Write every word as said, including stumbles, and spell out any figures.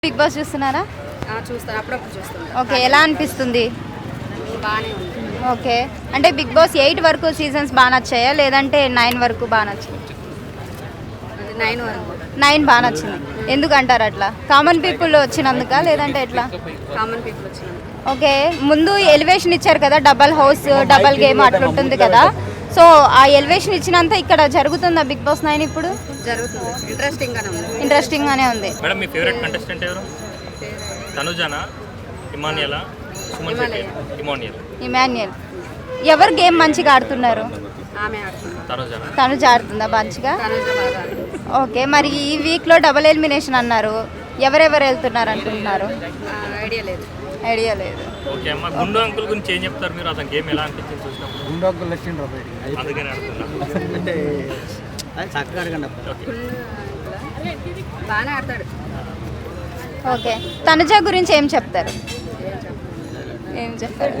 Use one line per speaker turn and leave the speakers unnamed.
Big boss చూస్తున్నారా?
చూస్తాను, అప్పుడప్పుడు చూస్తాను.
ఓకే, ఎలా అనిపిస్తుంది?
బాగానే ఉంది.
ఓకే, అంటే బిగ్ బాస్ ఎయిట్ వరకు సీజన్స్ బాగా నచ్చాయా లేదంటే నైన్ వరకు బాగా నచ్చింది?
నైన్ వరకు.
నైన్ బాగా నచ్చింది. ఎందుకంటారు అట్లా? కామన్ పీపుల్ వచ్చినందుక లేదంటే ఎట్లా?
కామన్ పీపుల్ వచ్చినాయి.
ఓకే, ముందు ఎలివేషన్ ఇచ్చారు కదా, డబల్ హౌస్ డబల్ గేమ్ అట్లుంటుంది కదా, సో ఆ ఎలివేషన్ ఇచ్చినంత ఇక్కడ జరుగుతుందా బిగ్ బాస్ నైన్ ఇప్పుడు?
జరుగుతుంది. ఇంట్రెస్టింగ్ గానే ఉంది.
ఇంట్రెస్టింగ్ గానే ఉంది.
మేడం, మీ ఫేవరెట్ కంటెస్టెంట్ ఎవరు? తనుజానా, ఇమానియలా, సుమన్ శెట్టి? ఇమానియల్.
ఇమాన్యుయల్. ఎవరు గేమ్ మంచిగా ఆడుతున్నారు?
ఆమె ఆడుతుంది.
తనుజానా.
తనుజ ఆడుతుందా మంచిగా?
తనుజ బాగా ఆడుతుంది.
ఓకే, మరి ఈ వీక్లో డబుల్ ఎలిమినేషన్ అన్నారు, ఎవరెవరు వెళ్తున్నారు అనుకుంటున్నారు?
ఆ, ఐడియా లేదు.
ఐడియా లేదు.
ఓకే అమ్మ, గుండు అంకుల్ గురించి ఏం చెప్తారు మీరు? అతని గేమ్ ఎలా అనిపించింది చూసినప్పుడు?
గుండు అంకుల్ వచ్చిండ్రు బయటికి.
అందుకని అడుగుతున్నా.
అంటే చక్కగా అడగండి.
ఓకే,
బాగానే ఆడతాడు.
ఓకే, తనుజ గురించి ఏం చెప్తారు? ఏం చెప్తారు?